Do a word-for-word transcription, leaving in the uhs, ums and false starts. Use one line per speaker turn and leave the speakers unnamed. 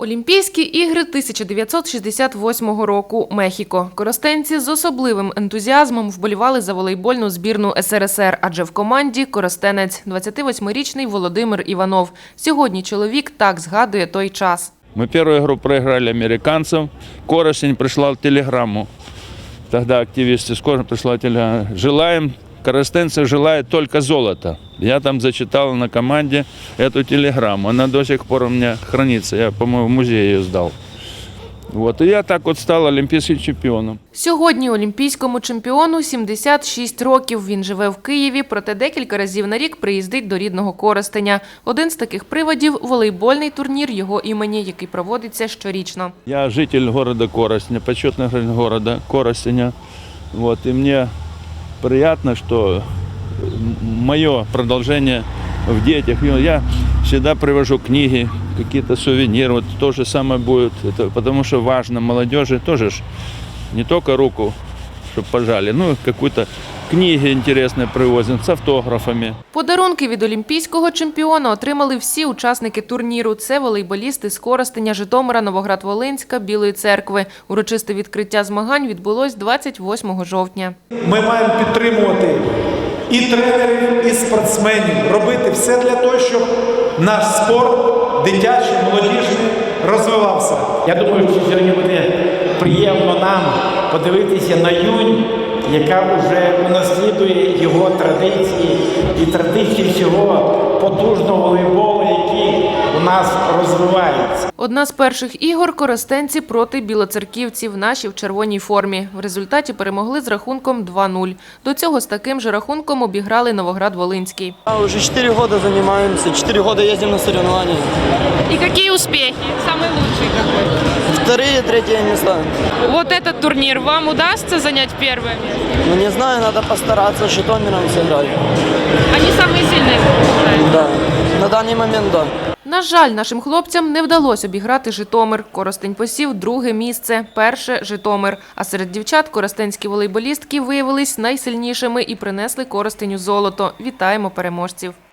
Олімпійські ігри тисяча дев'ятсот шістдесят восьмого року. Мехіко. Коростенці з особливим ентузіазмом вболівали за волейбольну збірну ес ер ес ер, адже в команді коростенець – двадцятивосьмирічний Володимир Іванов. Сьогодні чоловік так згадує той час.
Мы первую игру проиграли американцам. Коростень прислал телеграмму. Тогда активисты скоро прислали телеграмму. Желаем, коростенцы желают только золота. Я там зачитал на команде эту телеграмму. Она до сих пор у меня хранится. Я, по-моему, в музее ее сдал. Вот. И я так от став олімпійським чемпіоном.
Сьогодні олімпійському чемпіону сімдесят шість років. Він живе в Києві, проте декілька разів на рік приїздить до рідного Коростеня. Один з таких приводів – волейбольний турнір його імені, який проводиться щорічно.
Я житель города Коростеня, почетный гражданин города Коростеня. Вот. И мне приятно, что мое продолжение в детях. Я всегда привожу книги, какие-то сувениры. Вот то же самое будет. Это потому что важно молодежи тоже ж не только руку, чтобы пожали, ну какую-то книги интересные привозим с автографами.
Подарунки від олімпійського чемпіона отримали всі учасники турніру. Це волейболісти з Коростеня, Житомира, Новоград-Волинська, Білої Церкви. Урочисте відкриття змагань відбулось двадцять восьмого жовтня.
Ми маємо підтримувати і тренерів, і спортсменів, робити все для того, щоб наш спорт, дитячий, молодіжний, розвивався.
Я думаю, що сьогодні буде приємно нам подивитися на юнь, яка вже унаслідує його традиції і традиції всього потужного волейболу, який у нас розвивається.
Одна з перших ігор – коростенці проти білоцерківців, наші в червоній формі. В результаті перемогли з рахунком два нуль. До цього з таким же рахунком обіграли Новоград-Волинський.
Уже четыре года занимаемся, четыре года ездим на соревнования.
И какие успехи? Самый лучший какой?
Вторые, третьи места.
Вот этот турнир вам удастся занять первое место?
Ну не знаю, надо постараться с Житомиром сыграть.
Они самые сильные,
Да, на данный момент да.
На жаль, нашим хлопцям не вдалося обіграти Житомир. Коростень посів друге місце, перше – Житомир. А серед дівчат коростенські волейболістки виявились найсильнішими і принесли Коростеню золото. Вітаємо переможців!